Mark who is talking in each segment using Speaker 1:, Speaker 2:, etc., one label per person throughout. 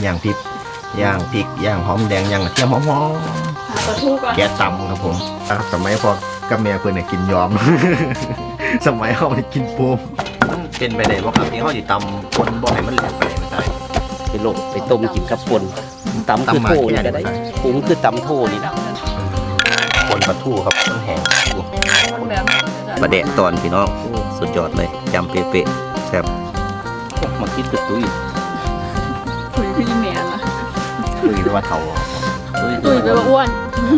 Speaker 1: ย่างพริกย่างหอมแดงย่างกระเทียมหอมแกะตำครับผมสมัยพอกับแม่เพื่อนกินยอม สมัยเขาไปกินปูมันเป็นไปได้บ่ครับที่เขาอยู่ตำคนบ่ให้มันแหลกไปไม่ใช่
Speaker 2: ไปลงไปต้มกินกับป่นตำคือโถนี่ก็ได้ปรุงคือตำโถนี่นะ
Speaker 1: คนปลาทูครับมันแห้งมาแดะตอนพี่น้องสุดยอดเลยจำเป๊ะๆแซ่บ
Speaker 2: มาคิดคือตุ้ย
Speaker 3: พี่แม่ล่ะ
Speaker 1: ตุ้ยแปลว่าเทา
Speaker 3: ตุ้ยแปลว่าอ้วน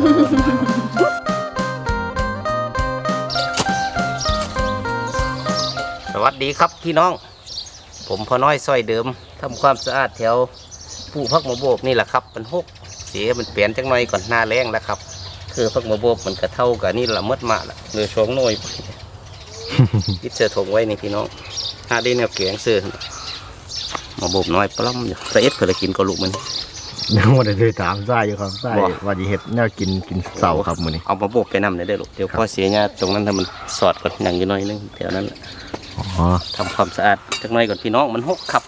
Speaker 2: สวัสดีครับพี่น้องผมพ่อน้อยซอยเดิมทำความสะอาดแถวผู้พักมาโบกนี่แหละครับมันหกเสียมันเปลี่ยนจังหน่อยก่อนหน้าแรงแล้วครับคือพักมาโบกมันกระเท่ากับนี่ละมดมาละเนื้อช่วงน้อยยึดเสื้อถงไว้นี่พี่น้องหาได้แนวเกียงเสื้อมาโบกน้อยปล้ำอยู่แต่เอ็ดเคยกินก็ลูกมัน
Speaker 1: ยังไม่ได้ถามไส้อยู่ครับไส้ว่าจะเห็ดแนวกินเสาครับมื้อนี้
Speaker 2: เอามาโบกไปนำได้ลูกเดี๋ยวพ่อเสียเนี่ยตรงนั้นถ้ามันสอดก่อนอย่างน้อยนึงแถวนั้นทำความสะอาดจังหน่อยก่อนพี่น้องมันหกขับ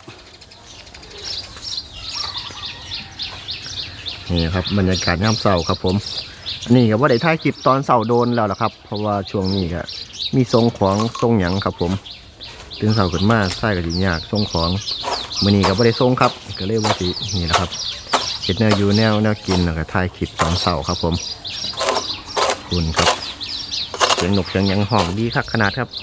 Speaker 1: นี่ครับบรรยากาศย่ำเสาครับผมนี่ก็ว่าได้ถ่ายคลิปตอนเสาโดนแล้วล่ะครับเพราะว่าช่วงนี้ก็มีทรงของทรงหยังครับผมตื่นเสาขึ้นมาไส้ก็ดียากทรงของมื้อนี้ก็บ่ได้ทรงครับก็เลยว่าสินี่แหละครับเฮ็ดแนวอยู่แนวกินแล้วก็ถ่ายคลิปตอนเสาครับผมคุณครับเสียงนกเสียงหยังห้องดีคักขนาดครับ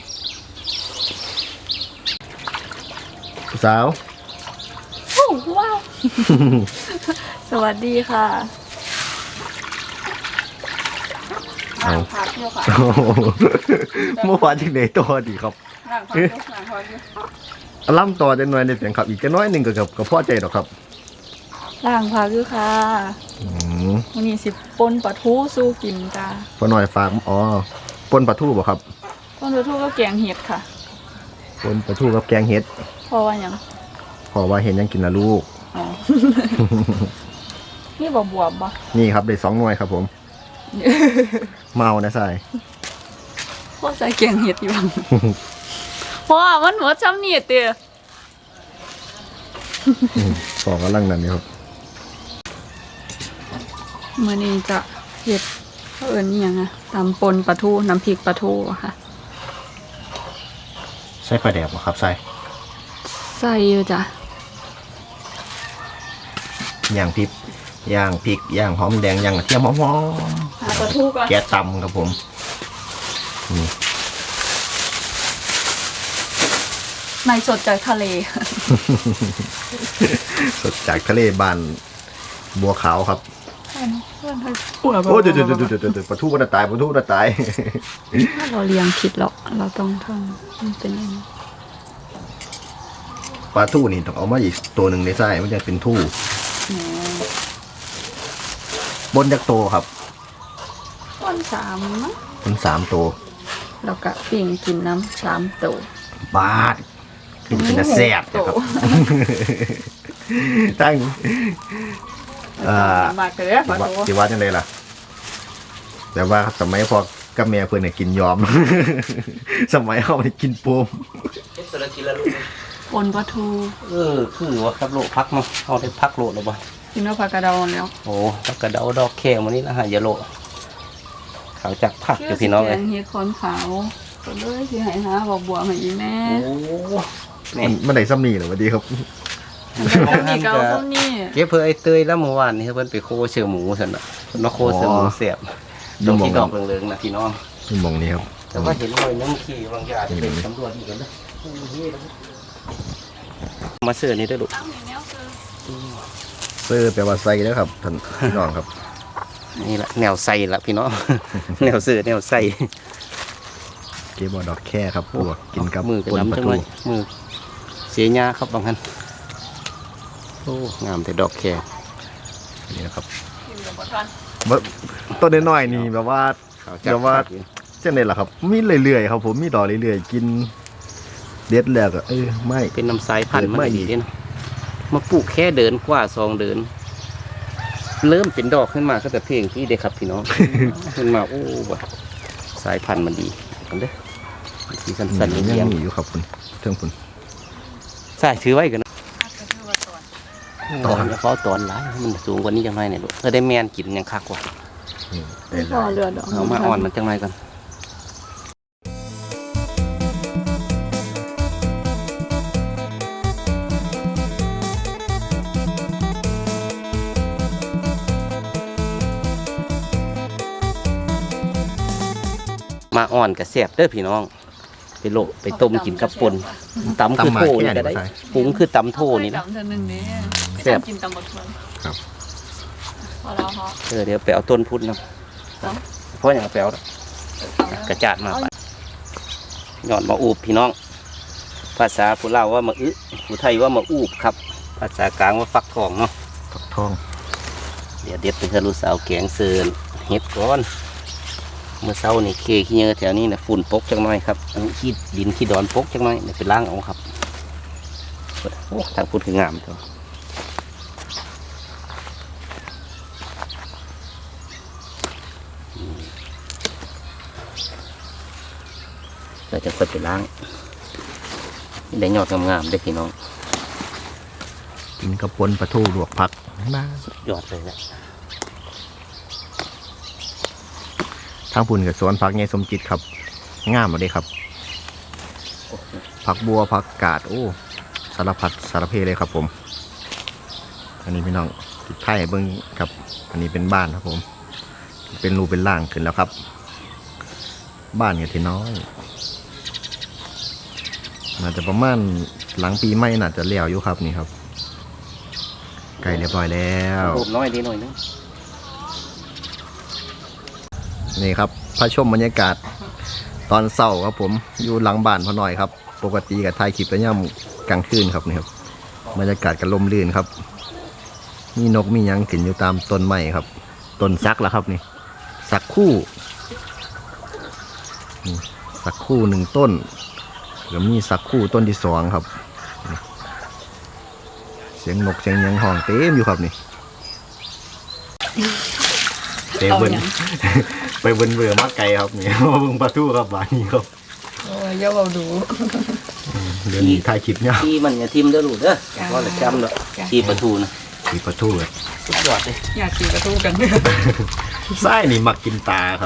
Speaker 1: สาว
Speaker 3: ว้าวสวัสดีค่ะหลังพักเที่ยวค่ะ
Speaker 1: เมื่อวานที่ไหนตัวดีครับ
Speaker 3: หลังพักอยู่
Speaker 1: ล่ำต่อจะหน่อยในเสียงครับอีกจะน้อยหนึ่งกับพ่อใจหรอกครับ
Speaker 3: หลังพักอยู่ค่ะวันนี้สิปนปลาทูสู้กินจ้า
Speaker 1: พอหน่อยฝากปนปลาทูบ่ครับ
Speaker 3: ปนปลาทูก็แกงเห็ดค่ะ
Speaker 1: ปนปลาทูกับแกงเห็ด
Speaker 3: เพราะว่ายัง
Speaker 1: เพราะว่าเห็นยังกินนะลูก
Speaker 3: นี่บวบบ่
Speaker 1: นี่ครับได้2 หน่วยครับผมเมานะใส่
Speaker 3: พ่อใส่แกงเห็ดอยู่เพราะว่ามันหัวช้ำนี่เตี้ย
Speaker 1: ฟองกำลังนั่นนี่ครับ
Speaker 3: มื้อนี้จะเห็ดเขาเอิ้นนี่ยังไงตำปนปลาทูน้ำพริกปลาทูค่ะ
Speaker 1: ใส่ปลาแดกบ่ครับใส่
Speaker 3: อยู่จ้ะ
Speaker 1: ย่างพริกย่างหอมแดงย่างกระเทียมหอม
Speaker 3: ปลาทูก่อน
Speaker 1: แกะตำครับผมนี่
Speaker 3: ในสดจากทะเล
Speaker 1: สดจากทะเลบ้านบัวขาวครับโอ้เดี๋ยวปลาทูมันตาย
Speaker 3: เราเลี้ยงผิดหรอกเราต้องทำมันเป็นอย่างนี้
Speaker 1: ปลาทูนี่ต้องเอามาอีกตัวหนึ่งในไส้มันจะเป็นทู่บนจากโตครับ
Speaker 3: บน3มั้ง
Speaker 1: บน3 ตัว
Speaker 3: แล้วก็ปิ้งกินน้ำ3 ตัว
Speaker 1: บาทคือจะเป็นแซ่บนะครับตั้ง
Speaker 3: มากเลย
Speaker 1: ที่ว่าจังเลยล่ะแต่ว่าสมัยพอกับแม่เพื่อนกินยอม สมัยเขาไปกินปูม
Speaker 3: ปนปลาทู
Speaker 2: คือว่าครับโลพักมั้งเอาได้พักโลแล้วบ่
Speaker 3: กินว่าผักกระเดาแล้ว
Speaker 2: โอ้ผักกระเดาดอกแค่วันนี้นะฮะยาโลขาวจากผักอยู่พี่น้องเลย
Speaker 3: เฮ็ดคอนขาวก็เลยสิให้หาบัวมาอีแม่
Speaker 2: โอ้
Speaker 1: มันได้ซ้ำนี่เหรอสวัสดีครับ
Speaker 3: นี่เก่าซ้ำนี่
Speaker 2: เก็บเพื่อไอ้เตยแล้วเมื่อวานนี่เพิ่นไปโคเสือหมูสันน่ะมาโคเสือหมูเสียบตรงที่ดอกเหลืองๆนะพี่น้อง
Speaker 1: นี่มองนี้ครับ
Speaker 2: แต่ว่าเห็นรอยน้ำขี้บางอย่างเป็นตำรวจอีกแล้วมาเสือนี่ได้ลูก
Speaker 1: เสื้อแปลว่าใส่แล้วครับท่านพี่น้องครับ
Speaker 2: นี่แหละแนวใส่ละพี่น้องแนวเสื้อแนวใส่
Speaker 1: เก็บดอกแค่ครับปวกกินกับ
Speaker 2: มือกับน้ำจังเลยมือเสียหญ้าครับบางท่านโอ้งามแต่ดอกแค่
Speaker 1: นี่นะครับต้นน้อยๆนี่แบบว่าเช่นไรล่ะครับมีเรื่อยๆครับผมมีดอกเรื่อยๆกินเด็ดแล้วก็ไม่
Speaker 2: เป็นน้ำสายพันธุ์ไม่ดีนะมาปลูกแค่เดินกว่า2 เดินเริ่มเป็นดอกขึ้นมาก็แต่เพียงที่เด็กครับพี่น้องขึ้นมาโอ้สายพันธุ์มันดีกันเด้อสีสันๆ
Speaker 1: ยังมีอยู่ครับคุณเทิงคุณ
Speaker 2: ใส่ถือไว้กันนะ
Speaker 1: ตอน
Speaker 2: เพราะตอนหลายมันสูงกว่านี้จังไรเนี่ยลูกก็ได้แมนกินยังคักกว่า
Speaker 1: ได้
Speaker 3: พอเรือดอก
Speaker 2: เอามาอ่อนมันจังไรกันมาอ่อนกับแซ่บเด้อพี่น้องไปโลไปต้มกินกับป่นตำคือโถนี่ก็ได้ปรุงคือตำโถนี่นะ
Speaker 3: ตำเท่านึงนี่
Speaker 2: แซ่บ
Speaker 3: กินตำบักมัน
Speaker 1: ครับ
Speaker 3: พอแล้วเพราะ
Speaker 2: เดี๋ยวไปเอาต้นพุทธนะเพราะอย่างแปลวกระจาดมาไปหย่อนมาอูบพี่น้อง ภาษาผู้เล่าว่ามาอึผู้ไทยว่ามาอูบครับ ภาษากลางว่าฟักทองเนาะ
Speaker 1: ฟักทอง
Speaker 2: เดี๋ยวเด็ดเป็นเธอลูกสาวแกงเซินเฮ็ดก่อนเมื่อเช้านี่เคขี้เยอะแถวนี้นะฝุ่นปกจังหน่อยครับอันนี้ขี้ดินขี้ดอนปกจังหน่อยเดี๋ยวไปล้างเอาครับโอ้ทางพุ่นคืองามตัวเราจะค่อยไปล้างนี่ได้ยอดงามๆได้อพี่น้อง
Speaker 1: กินกระปนปลาทูลวกผักมาย
Speaker 2: อดเลยแหละ
Speaker 1: ทางพุ่นกับสวนผักไงสมจิตครับงามเลยครับผักบัวผักกาดโอ้สารพัดสารเพเลยครับผมอันนี้พี่น้องติดไทยเบิ้งครับอันนี้เป็นบ้านครับผมเป็นรูเป็นร่างขึ้นแล้วครับ บ้านกับที่น้อยน่าจะประมาณหลังปีใหม่น่าจะเลี้ยวอยู่ครับนี่ครับไก่เรียบร้อยแล้ว
Speaker 2: รูปน้อยดีหน่อยนึง
Speaker 1: นี่ครับพระชมบรรยากาศตอนเช้าครับผมอยู่หลังบ้านพอหน่อยครับปกติกับถ่ายคลิปแล้วย่ำกลางคืนครับนี่ครับบรรยากาศก็ลมลื่นครับมีนกมีหยังขึ้นอยู่ตามต้นไม้ครับต้นซักแล้วครับนี่ซักคู่นี่ซักคู่หนึ่งต้นแล้วมีซักคู่ต้นที่สองครับนี่เสียงนกเสียงหยังห้องเต็มอยู่ครับนี่เต็มเบิ้ล ไปเบิ้ลเบื่อมากไกลครับนี่ มาเบิ่งปลาทูครับบ้านนี้ครับ
Speaker 3: โอ้ยเยาเราดู
Speaker 1: เดี๋ยวนี้ถ่ายคลิปเนี่ย
Speaker 2: ที่มันอย่าทิมเด้อลูกเด้อว่าละจำเด้อที่ประตูนะ
Speaker 1: มีปลาทูเลย
Speaker 2: สุดยอดเลย
Speaker 3: อยากกินกระทูกันด้วย
Speaker 1: ไส้นี่มักกินปลาครับ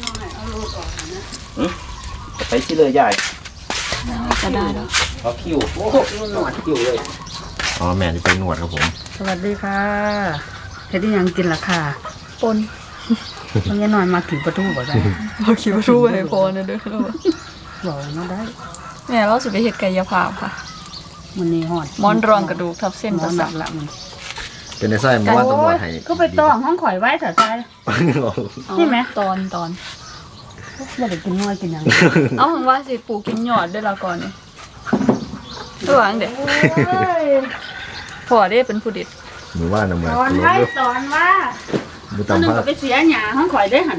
Speaker 2: ไปสิเลยใหญ่
Speaker 3: จะได้แล้ว
Speaker 2: เอาคิวโอ้โหหนวดคิวเลย
Speaker 1: อ๋อแม่จะไปนวดครับผม
Speaker 4: สวัสดีค่ะเฮ็ดได้หยังกินล่ะค่ะ
Speaker 3: ปน
Speaker 4: มันยังนอนมาถึงประตูบ่ได้
Speaker 3: เราคิดว่าทูให้พอนะเด้อเรา
Speaker 4: บอกมาได้
Speaker 3: แม่เราสิไปเฮ็ดกายภาพค่ะ
Speaker 4: มันนี่ฮอด
Speaker 3: ม้อนรองกระดูกทับเส้น
Speaker 4: หม
Speaker 3: ป
Speaker 4: อ
Speaker 3: ระ
Speaker 4: นห
Speaker 3: สา
Speaker 4: นั
Speaker 3: ท
Speaker 4: กละมัน
Speaker 1: เป็นในไส้มันว่าต้องนวดให้
Speaker 4: ก็ไปต้องห้องข่อยไว้เถอะใจ นี่ไหม
Speaker 3: ตอน
Speaker 4: บ่ได้กินน้อยกินหยัง
Speaker 3: เอาของว่าสิปลูกกินหยอดด้วยละก่อนนี่ระวังเด็กพอได้เป็นผู้ดิด
Speaker 1: หรือว่าน้ำมัน
Speaker 4: สอนไว้สอนว่า
Speaker 1: มือ
Speaker 4: ตัวนึง
Speaker 1: ตำผ้า
Speaker 4: ก็ไปเสียหญ้าห้องข่อยได้หั่น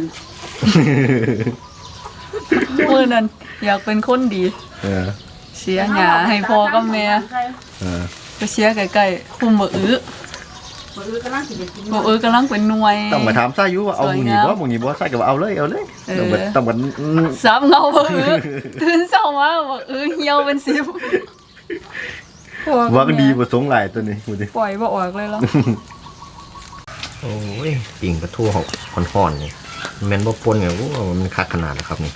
Speaker 3: มือนั้นอยากเป็นคนดี
Speaker 1: เออ
Speaker 3: เสียหยาให้พ่อกับแม่
Speaker 1: เออ
Speaker 3: ไปเสียใกล้ๆคุมบ่อื้อ
Speaker 4: บ่รู้กำลังสิไปกิน
Speaker 3: บ่อื้อกำลังเป็นหน่วย
Speaker 1: ต้องมาถามไส้อยุว่าเอาหมูนี่บ่หมูนี่บ่ไส้ก็ว่าเอาเลยเอาเลย
Speaker 3: เออ
Speaker 1: ต้องมา
Speaker 3: ซ้ำเงาบ่อื้อตื่นเช้ามาบ่อื้อเหี่ยวเป็นสิบพ่อกับ
Speaker 1: ว่าก็
Speaker 3: แม่
Speaker 1: ดีบ่สงหลายตัวนี้ดูดิ
Speaker 3: ปล่อยบ่ออกเลยเหรอ
Speaker 1: โอ้ยปิ่งปลาทูห่อนๆนี่แม่นบ่ปนไงโอ้มันคักขนาดนะครับนี่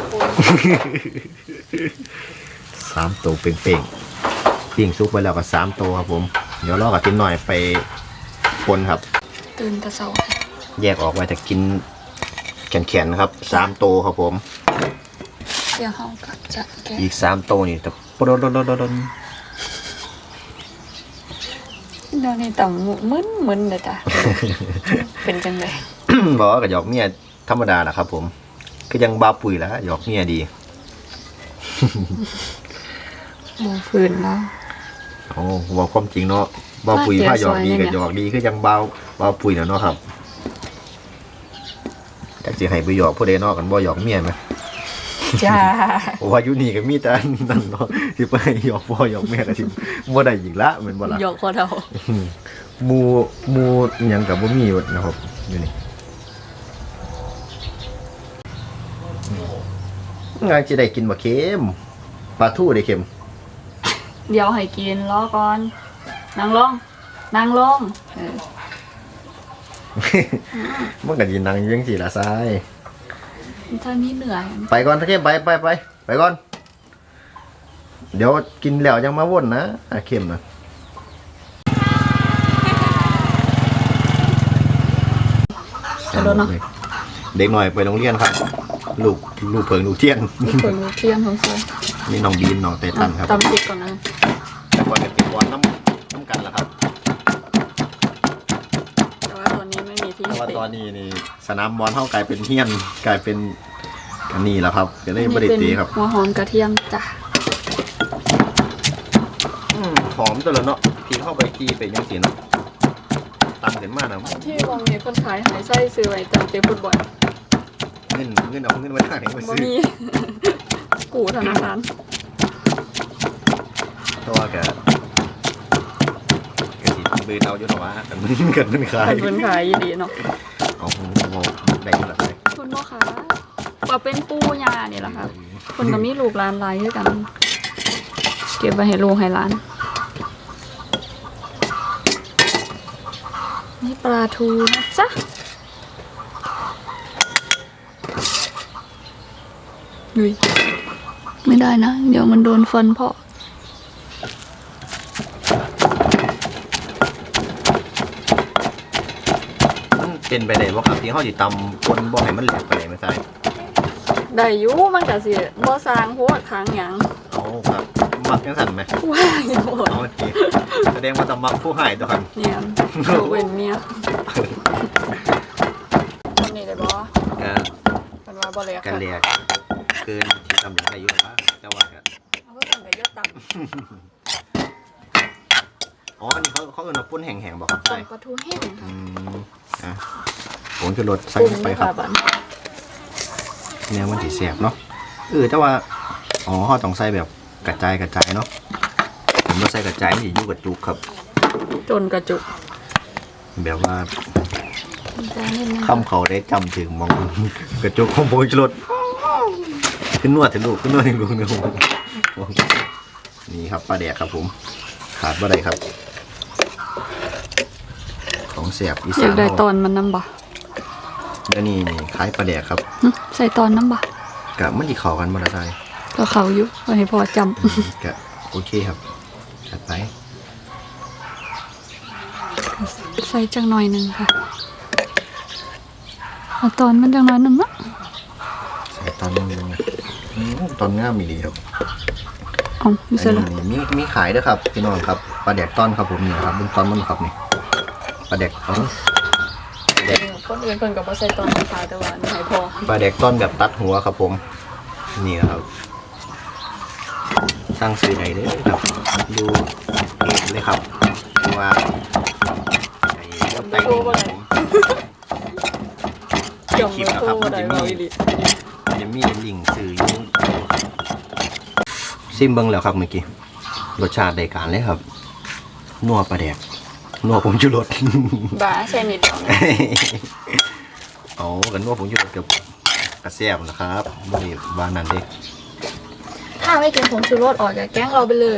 Speaker 1: 3 ตัวเป่งๆปิ่งซุปไปแล้วก็3 ตัวครับผมเดี๋ยวรอกับทิ้นหน่อยไปปนครับ
Speaker 3: ตื่นแต่เช้า
Speaker 1: แยกออกไว้แต่กินแข็งๆนะครับ3 ตัวครับผม
Speaker 3: เดี๋ยวเฮาก็จะแกะ
Speaker 1: อีก3 ตัวนี่แต่ปดดๆ
Speaker 3: เดี๋ยวนี้ต่ำมึนๆเด้อจ้ะเป็นจังได๋
Speaker 1: ๆ บอกว่ากับหยอกเมียธรรมดาแหละครับผมก็ยังบาปุ๋ยแล้วหยอกเมียดี
Speaker 3: บ่ฟื้นแล้ว
Speaker 1: โอ้บอกความจริงเนาะบาปุ๋ยผ้าหยอกดีกับหยอกดีคือยังบาปุ๋ยแล้วเนาะครับจากสิให้ไปหยอกผู้ใดเนาะกันบ่หยอกเมียไหม
Speaker 3: จ้า
Speaker 1: โอ้ว่าอยู่นี่ก็มีแต่นั่นเนาะที่ไปหยอกพ่อหยอกแม่ก็สิบ่ได้อีกละแม่นบ่ล่ะ
Speaker 3: หยอกคอเฒ่า
Speaker 1: หมูอิหยังก็บ่มีนะครับอยู่นี่งานสิได้กินบ่เค็มปลาทูได้เค็ม
Speaker 3: เดี๋ยวให้กินรอก่อนนั่งลงนางลง
Speaker 1: มันก็ยินนังอยังสี่ละทราย
Speaker 3: ถ้านี้เหนื่อย
Speaker 1: ไปก่อนตะเข้มไปก่อน เดี๋ยวกินแล้วยังมาวนนะเข้มนะ
Speaker 3: กระโดดเนาะ
Speaker 1: เด็กหน่อยไปโรงเรียนครับ ลูกเพิงลูกเทียน
Speaker 3: เปิดลูกเทียมของเสือ
Speaker 1: นี่น้องบีนน้องเตตันครับ
Speaker 3: ตำติดก่อนนะ
Speaker 1: แต่ก่อนจะติดบอลน้ำกันแล้วครับ
Speaker 3: แต่ว่าตอนนี้ไม่มีที่
Speaker 1: เพราะว่า
Speaker 3: เตะ
Speaker 1: ตอนนี้นี่สนามบอลเท่ากลายเป็นเฮียนกลายเป็นอันนี้แล้วครับก็เลยบริตีครับ
Speaker 3: หัวหอมกระเทียมจ้ะ
Speaker 1: หอมตัวละเนาะทีเข้าไปทีไปยังสีเนาะตำกันมากนะ
Speaker 3: ที่วงมีคนขายหายไส้ซื้อไว้จำเตะฟุตบอล
Speaker 1: เงินเอาเงินมาทางไหนมา
Speaker 3: บ่
Speaker 1: ซื้อ
Speaker 3: มีกูธนาคาร
Speaker 1: เพราะว่าแกสิเบยเตาอยู่หรอวะกันมันขาย
Speaker 3: คนเป็นขายยีดีเนาะ
Speaker 1: เอาได้มาละไร
Speaker 3: คุณพ่อค้าว่าเป็นปูยาเนี่ยแหละค่ะคนก็มีลูกหลานหลายด้วยกัน เก็บไว้ให้ลูกให้หลาน นี่ปลาทูนะจ๊ะดุยไม่ได้นะ เดี๋ยวมันโดนฟันเพาะ
Speaker 1: เป็นไปได้ว่าครับที่เขาจิตำคนบ่ให้มันแหลกไปไหนไม่ใช่
Speaker 3: ได้อยู่มันก็สิบ่สร้างหัวค้างหยัง
Speaker 1: เอาครับมักยังสั่นไหม
Speaker 3: ว้ายโหด
Speaker 1: เอาทีแสดงว่าต้องมักผู้ให้ตัวกัน
Speaker 3: เนี่ยโดเว้นเมียคนนี้ได้บ่มันว่าบ่เลย
Speaker 1: กันเรียกเกินที่ตำอย่างไรอยู่นะจะว่ากัน
Speaker 3: เอาก็สั่งก็เยอะตับ
Speaker 1: อ๋ออันนี้เขาเอิ้นว่าปุ้นแห้งๆบอกครับ
Speaker 3: ต้
Speaker 1: ใช่
Speaker 3: มปลาทูแห้งค่ะ
Speaker 1: อ่ะผมจะลดใส่
Speaker 3: ปรุง
Speaker 1: ไป
Speaker 3: ด้วย
Speaker 1: ครั
Speaker 3: ค่ะ
Speaker 1: บ
Speaker 3: บัด
Speaker 1: เนี่ยมันสีเสียบเนาะแต่ว่าอ๋อเขาต้องใส่แบบกระจายเนาะผมว่าใส่กระจายนี่อยู่กับจุกครับ
Speaker 3: จนกระจุก
Speaker 1: แบบว่า
Speaker 3: จานนิดนึง
Speaker 1: คำเขาได้จำถึงมองกระจุกของโบยรถขึ้นนวดถึงลูกขึ้นนวดถึงลูกเนี่ยผมนี่ครับปลาแดกครับผมขาดบ่ได้ครับ ของเสียบอี
Speaker 3: อ
Speaker 1: สาย
Speaker 3: าก
Speaker 1: น
Speaker 3: ได้ตอนมันน้ำบ่
Speaker 1: เดี๋ยวนี้คล้ายปลาแดกครับ
Speaker 3: หึใส่ตอนน้ำบ่
Speaker 1: กับมันที่เขากันมาละไซ
Speaker 3: ก็เขาอยู่วันนี้พอจ
Speaker 1: กับโอเคครับจัดไป
Speaker 3: ำใส่จังหน่อยหนึงค่ะเอาตอนมันจังหน่อยหนึงเนาะ
Speaker 1: ใส่ตอนนึงนะตอนง่ามมีดีครับ
Speaker 3: เอาไม่ใส่ละ
Speaker 1: อันนี้มีขายด้วยครับพี่น้องครับปลาแดกต้อนครับผมเนี่ยครับเป็นต้อนมันครับนี่ปลาแดกต้อนปลาแดก
Speaker 3: คนอื่นเพิ่นก็บ่ใส่ตอนขายแต่ว่าอันนี้ให้พอ
Speaker 1: ปลาแดกต้อนแบบตัดหัวครับผมนี่นะครับสร้างซื้อไหนเด้อครับดูเองเลยครับว่าไอ้เจ้าไก่นี่ครับผม
Speaker 3: จมเลยโทษได้บ่อีหลี
Speaker 1: จะมีลิงก์ซื้ออยู่ซิมเบิ้งแล้วครับเมื่อกี้รสชาติได้การเลยครับนัวปลาแดกนัวผมชูรส
Speaker 3: บ้าใส่นิดเดียวนะ
Speaker 1: เอากันนัวผมชูรสกับกระเสียบนะครับไม่ได้ว่านั่นเด็ก
Speaker 3: ถ้าไม่กินผงชูรสออกจากแก๊งเราไปเลย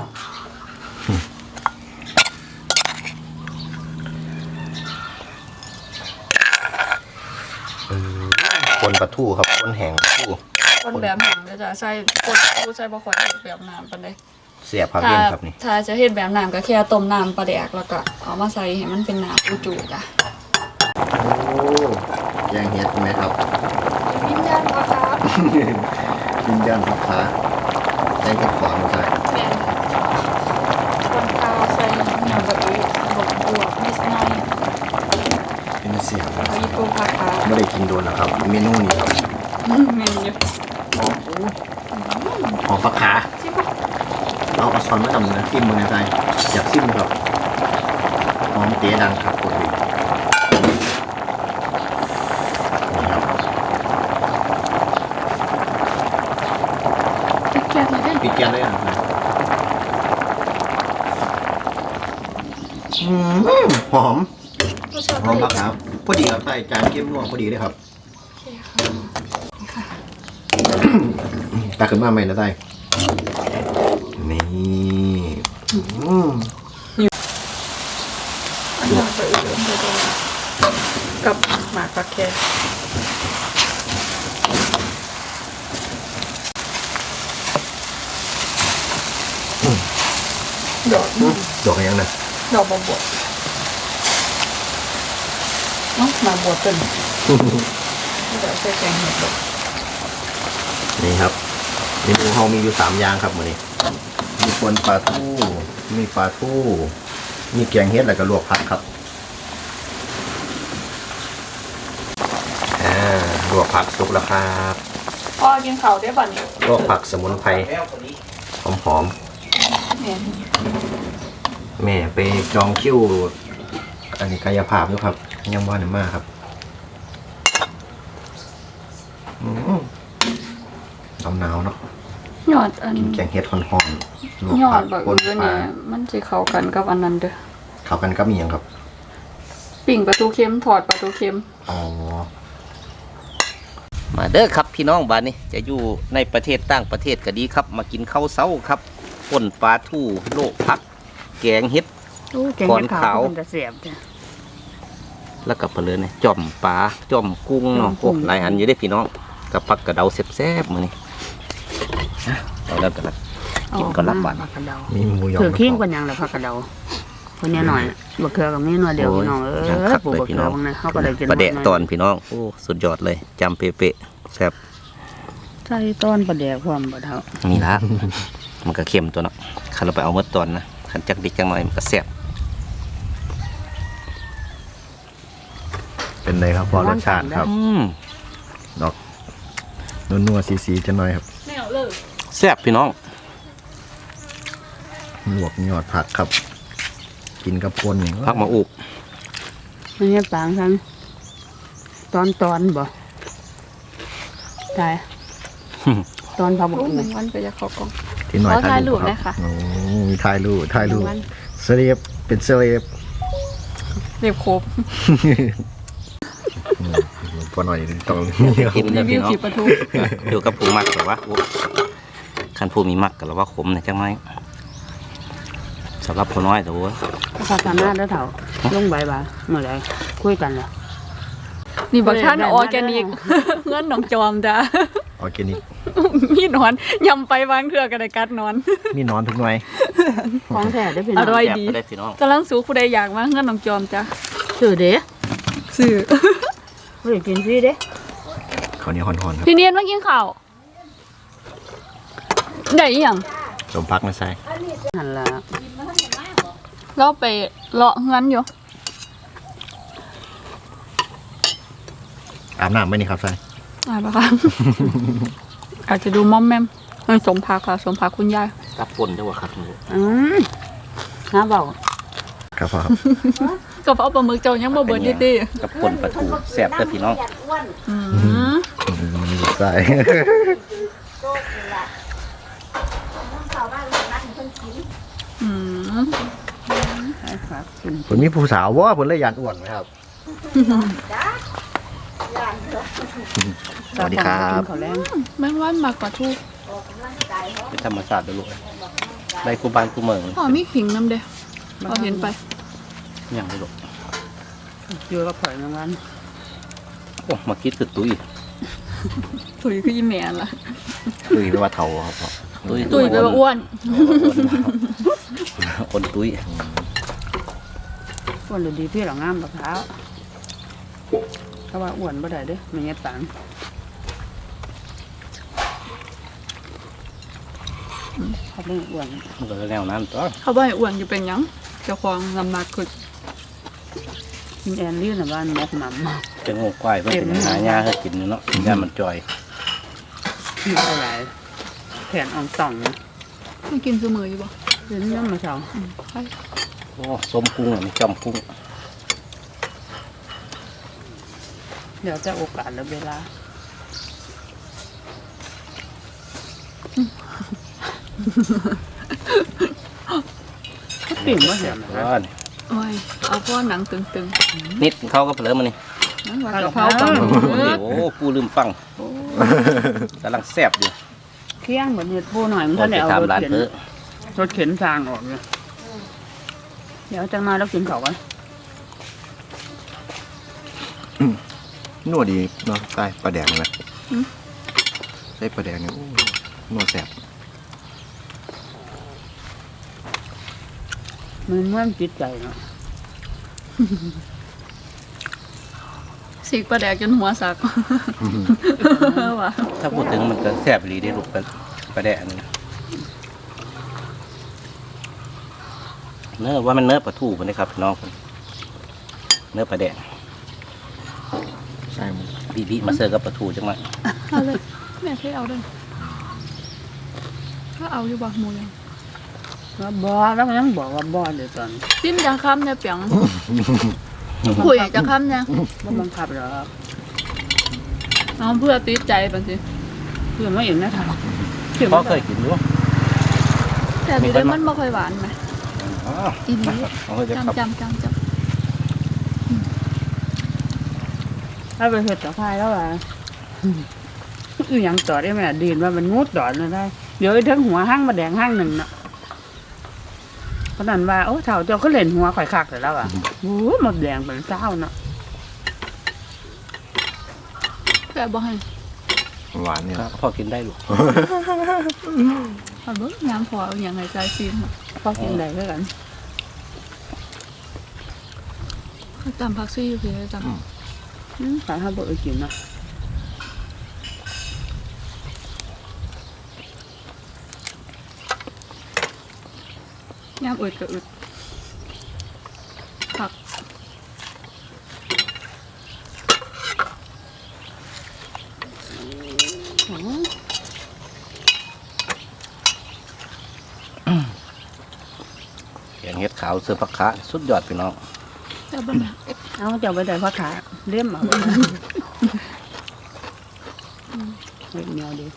Speaker 1: คนปลาทูครับคนแห้งปลาทู
Speaker 3: คนแบบหนังก็จะใส่คนผู้ใส่บ่ค่อยเฮ็ดแบบน้ำปานใด
Speaker 1: เสียบครับ
Speaker 3: ถ้า
Speaker 1: เย็นครับนี่
Speaker 3: ถ้าจะเฮ็ดแบบน้ำก็แค่ต้มน้ำปลาแดกแล้วก็เอามาใส่ให้มันเป็นน้ำอุจูจ้ะ
Speaker 1: โอ้แยงเฮ็ดไหมครับ
Speaker 3: วิญญาณปลาครับ
Speaker 1: วิญญาณผักขาแยงเห็ดขอนมาใส่
Speaker 3: แม่นคนข้าวใส่น้ำแบบนี้บวกนิดหน่อย
Speaker 1: เป็นเสียบครับ
Speaker 3: มีปูผักขา
Speaker 1: ไม่ได้กินโดนแล้วครับเมนูนี้ครับ
Speaker 3: เมนอยู่
Speaker 1: หอมผักขาเอาช้อนมาทำนะซิมมือในใจอยากซิมครับหอมเต๋ดังครับกดเลยนี่ครับ
Speaker 3: ติ๊กแก๊สเลยได้
Speaker 1: ปิดแก๊สเลยนะครับหอม
Speaker 3: รสชาติ
Speaker 1: หอม
Speaker 3: ดี
Speaker 1: ผักขาพอดีครับใส่จานเข้มนัวพอดีเลยครับ
Speaker 3: โอเคค่ะ
Speaker 1: ตักขึ้นมาใหม่นะไต้นี่
Speaker 3: น้ำไปอื่นไปด้วยกับหมากผักแคดอก
Speaker 1: ดอกอะไรยังนะ
Speaker 3: ดอกบวบน้องมาบวบเป็นเดี๋ยวใส่แกงเห็ดดอก
Speaker 1: นี่ครับเมนูเฮามีอยู่3อย่างครับมื้อนี้มีปนปลาทูมีปลาทูมีแกงเฮ็ดแล้วก็ลวกผักครับลวกผักสุกแล้วครับ
Speaker 3: พ่อกินข้าวได้ป่ะเนี่ย
Speaker 1: ลวกผักสมุนไพรหอม
Speaker 3: เนี่ย
Speaker 1: ๆแม่ไปจองคิวอันนี้กายภาพอยู่ครับยังบ่ได้มาครับหนาวเนาะ
Speaker 3: ยอดอัน
Speaker 1: กินแกงเฮ็ดฮ้อนๆลวก
Speaker 3: ยอ
Speaker 1: ผั
Speaker 3: ด
Speaker 1: ก
Speaker 3: แบบ
Speaker 1: ปน
Speaker 3: อื่น
Speaker 1: ปลา
Speaker 3: เนี่ยมันจะเข้ากันกับอันนั้นเด้อ
Speaker 1: เข้ากันกับอีหยังครับ
Speaker 3: ปิ่งปลาทูเค็มถอดปลาทูเค็ม
Speaker 1: อ๋อ
Speaker 2: มาเด้อครับพี่น้องบ้านนี้จะอยู่ในประเทศต่างประเทศก็ดีครับ มากินข้าวเช้าครับป่นปลาทูโลกพัก แกงเฮ็ด
Speaker 4: แกงเห็ดขาวมันจะเสียบจ้ะ
Speaker 2: แล้วก็เพลินเนี่ยจ่อมปลาจ่อมกุ้งเนาะ
Speaker 4: จ่อมกุ้
Speaker 2: โอ้
Speaker 4: ง
Speaker 2: หลายอันอยู่ได้อพี่น้องกับผักกระเดาแซ่บๆมื้อนี้เอาแล้วกันละกินก็รับบ้าน
Speaker 4: ผักกระเดา
Speaker 1: มีหมูหยอง
Speaker 4: ถือขิ้งกันยังล่ะผักกระเดาคนนี้หน่อยบักเขือกับนี่หน่อยเดียวพี่น้องปลูกบักเขือบ้างนะเขาก็ได้กิน
Speaker 2: ประเดะตอนพี่น้องโอ้สุดยอดเลยจำเป๊ะๆแซ่บ
Speaker 4: ใส่ต้นประเดะความบ่เท่า
Speaker 2: นี่ละ มันก็เค็มตัวเนาะคันเราไปเอาเมื่อตอนนะคันจักดิกจังหน่อยมันก็แซ่บ
Speaker 1: เป็นไงครับพอรสชาติครับดอกนัวๆสีๆจะหน่อยครับ
Speaker 3: แนวเลย
Speaker 2: แซ่บพี่น้อง
Speaker 1: ลวกยอดผักครับ กินกับปนอย่าง
Speaker 2: พักมาอุบ
Speaker 4: ไม่ใช่ปางทั้งตอนบ่ใช่ตอนผักบุ้
Speaker 3: โอ้
Speaker 4: ง
Speaker 3: หนึ่งวันไปจะเข้ากล้อง
Speaker 1: ที่หน่อย
Speaker 3: ขอถ่ายรูป
Speaker 1: ค
Speaker 3: ได้
Speaker 1: รับ
Speaker 3: ค่ะ
Speaker 1: โอ้มีถ่ายรูปเซเลบเป็นเซเลบ
Speaker 3: เรียบครบ
Speaker 1: พอหน่อยต้อง
Speaker 2: กิน
Speaker 3: รี
Speaker 2: เด้อ
Speaker 3: วิ
Speaker 2: พี่
Speaker 3: ว
Speaker 2: น้อง
Speaker 3: ขีปลาทู
Speaker 2: อยู่กับผู้มักแต่ว่าโอ้คันผู้มีมักกับว่าขมนะจังไหมสำหรับผู้น้อยแต่ว่า
Speaker 4: ผักกาดหน้าแล้วเท่าลงใบบ่าเมื่อไรคุยกันล่ะ
Speaker 3: นี่บักท่านออร์แกนิกเงื่อนหนองจอมจ้ะ
Speaker 1: ออร์แกนิก
Speaker 3: มีหนอนยำไปวางเถื่อกันในกัดนอน
Speaker 1: มีนอนทุกหน่วย
Speaker 4: ของแท้ได้พี่น้
Speaker 3: อ
Speaker 4: อง
Speaker 3: ร่อย
Speaker 2: แซ่บ
Speaker 3: ดี
Speaker 2: ไปได้พี่น้อง
Speaker 3: กำลังสูผู้ใดอยากมาเงื่อนหนองจอมจ้ะ
Speaker 4: สื่อเด้
Speaker 3: สื่อ
Speaker 4: เฮ้ยกินฟรีเด้
Speaker 1: เขาวเหนี้ฮ้อนๆครับ
Speaker 3: พี่เนียนมากินข้าวได้อีหยัง
Speaker 1: สมพักนะใช่
Speaker 4: หันละ
Speaker 3: เราไปเลาะเงื่อนอยู่
Speaker 1: อาบน้ำไหมนี่ครับใช่
Speaker 3: ปะคะ อาจจะดูม่อมแม่มเฮ้ยสมพักค่ะสมพักคุณยาย
Speaker 2: กับปนจังหวะครับ
Speaker 4: น้าเบา
Speaker 1: ครับพ่อครับ
Speaker 3: ก็เพราะปลาหมึกเจ้ายังบ่เบิดดิ
Speaker 2: กับปนปลาทูแซ่บเด้อพี่น้อง
Speaker 1: ใช่
Speaker 3: อืม
Speaker 4: ใช่ครับกิน
Speaker 1: ผมมีผู้สาวว่าผมเลยยานอ้วนไหมครับ สวัสดีครับ
Speaker 4: กินข้าวแรง
Speaker 3: แม่งว่านมากกว่าทูก
Speaker 2: เป็นธรรมชาติเด้อลูกได้กูบานกูเมือง
Speaker 3: พ่อมีขิงน้ำเด้เราเห็นไป
Speaker 2: ยังได้ลูก
Speaker 4: เยอะกับเผยเหมือนกัน
Speaker 2: โอ้มาคิดคือตุ้ย
Speaker 3: ถุยคืออีแม่ล่ะ
Speaker 2: ตุ้ยแปลว่าเฒ่าครับพ่อ
Speaker 3: ตุยไปว่าอ้วน
Speaker 2: คนตุ้ย
Speaker 4: อ้วนหรือดีพี่หรองามบักเท้าถ้าว่าอ้วนบ่ได้เด้อไม่เงี้ยปังเขาไม่อ้วน
Speaker 2: มันก็แนวนั้นตัว
Speaker 3: เขาบ่ให้อ้วนอยู่เป็นหยังเจ้าของลำบากคือ
Speaker 4: กินแอนลี่นะบ้านมกหม่ำ
Speaker 2: เป็นงูควายเพิ่นเป็นหายาให้กินเนาะยามันจ่อย
Speaker 4: กินอะไรแผนอ่องต่อง
Speaker 3: ไม่กินเสมออยู่บ่
Speaker 4: เดี๋ยวนี้มาเช้า
Speaker 3: ใช่
Speaker 2: โอ้สมกุ้งอันนี้จอมกุ้ง
Speaker 4: เดี๋ยวจะโอกาสและเวลาปิ่งว่าเห็นนะ
Speaker 2: ว่า
Speaker 3: โอ้ยเอาพ่อหนังตึง
Speaker 2: นิดเขาก็เผลอมานี่
Speaker 3: ๆนั่นว่ากะเพราปลาหมึก
Speaker 2: โอ้ปูลืมฟังกำลังแซ่บอยู่
Speaker 4: เที่ยงเหมือนเห็ดผู้หน่อยมัน
Speaker 2: ก่อ
Speaker 4: ท่าน น
Speaker 2: ไป
Speaker 4: ได้เอารถ
Speaker 2: ทำร้าน
Speaker 4: เข็น
Speaker 2: เพิ่ม
Speaker 4: รถเข็นทางออกเลยเดี๋ยวจะมาแล้วกินเขากัน
Speaker 1: นัวดีเนาะใส่ปลาแดงนะใส่ปลาแดงเนี่ยโอ้นัวแซ่บ
Speaker 4: มันเหมือนจิตใจเนาะ
Speaker 3: สีกปลาแดกจนหัวสักว่ะ
Speaker 2: ถ้าพูดถึงมันก็แซ่บดีได้ลูกปลาแดะนี่เนื้อว่ามันเนื้อปลาทูมันนะครับพี่น้องเนื้อปลาแดะ
Speaker 1: ใช่มัน
Speaker 2: บีมาเสิร์ฟกับปลาทูจังมา
Speaker 3: เอาเลยแม่ให้เอาด้วยก็เอาอยู่บักหมูยัง
Speaker 4: ว่าบ่แล้วมันยังบอกว่าบ่เดี๋ยวตอน
Speaker 3: จิ้มจะค้ำเนี่ยเปียงคุยจะค้ำเนี่ย
Speaker 4: บ่บังคับหรอก
Speaker 3: น้องเพื่อติดใจบางที
Speaker 4: เพื่อนมาเองนะทาง
Speaker 2: พ่อเคยกินรู้
Speaker 3: แต่ดีเลยมันไม่ค่อยหวานไหม
Speaker 2: อ๋อ
Speaker 3: อีนี้
Speaker 2: เขาจะขับ
Speaker 3: จำ
Speaker 4: ถ้าไปเฮ็ดต่อพายแล้วล่ะอีหยังต่อได้แม่ดีนว่ามันงูต่อนะได้เดี๋ยวไอ้ทั้งหัวห้างมาแดงห้างหนึ่งน่ะเพราะนั้นว่าโอ้เฒ่าเจ้าก็เล่นหัวข่อยคักแล้วอ่ะโอ้หมดแดงเป็นเจ้าเนาะ
Speaker 3: แต่บ่ให้
Speaker 1: หวานเนี่ย
Speaker 2: พ่อกินได้ลูก
Speaker 3: เอาเบิ้งน้ำพอเอาอย่างไรใจซีน
Speaker 4: พอกินได้ด้วยกัน
Speaker 3: จำพักซี่อยู่พี่จำ
Speaker 4: ขายข้าวเบอร์กินเนาะ
Speaker 3: ย่ำอึดก็อึดผัก
Speaker 2: แกงเห็ดขาวเสือผักขาสุดยอดพี่น้อง
Speaker 3: แต่บ่นะ
Speaker 4: เอาเจ้าไปได้พ่อขาเลี่ยมเอาเล็กเหนียวดี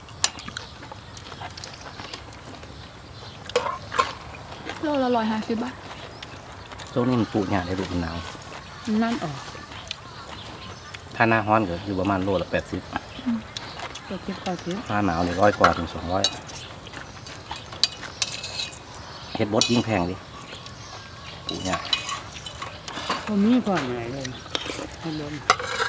Speaker 3: โลละ150 บาท
Speaker 2: ช่วงนี้มันปลูกหญ้าได้ลูกมันหนาว
Speaker 4: นั่นออก
Speaker 2: ถ้าหน้าร้อนก็อยู่ประมาณโลละ80
Speaker 4: ก็คิดก็คิด
Speaker 2: หน้าหนาวนี่100 กว่าถึง 200เห็ดบดยิ่งแพงดิปลูกหญ้า
Speaker 4: ผมมีก่อนไหนเลยให้ลม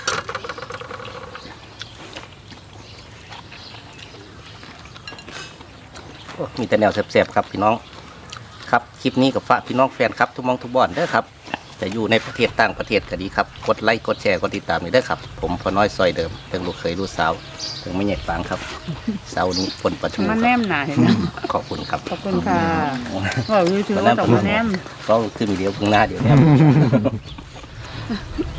Speaker 2: โอ้มีแต่แนวแซ่บๆครับพี่น้องครับคลิปนี้กับฝากพี่น้องแฟนครับทุกมองทุกบ่อนเด้อครับจะอยู่ในประเทศต่างประเทศก็ดีครับกดไลค์กดแชร์กดติดตามนี่เด้อครับผมพอน้อยซอยเดิมเพิ่งลูกเคยลูกสาวเพิ่งไม่ใหญ่ฟังครับเสาร์นี้ฝนประชุม
Speaker 4: มัน
Speaker 2: ค
Speaker 4: แน
Speaker 2: รับ
Speaker 4: มหนาเห็นไหม
Speaker 2: ขอบคุณครับ
Speaker 4: ขอบคุณค่ะว่าวิวถือว่าต้องมาแนม
Speaker 2: ก็คือมีเดียวพึ่งหน้าเดี๋ยวเนี้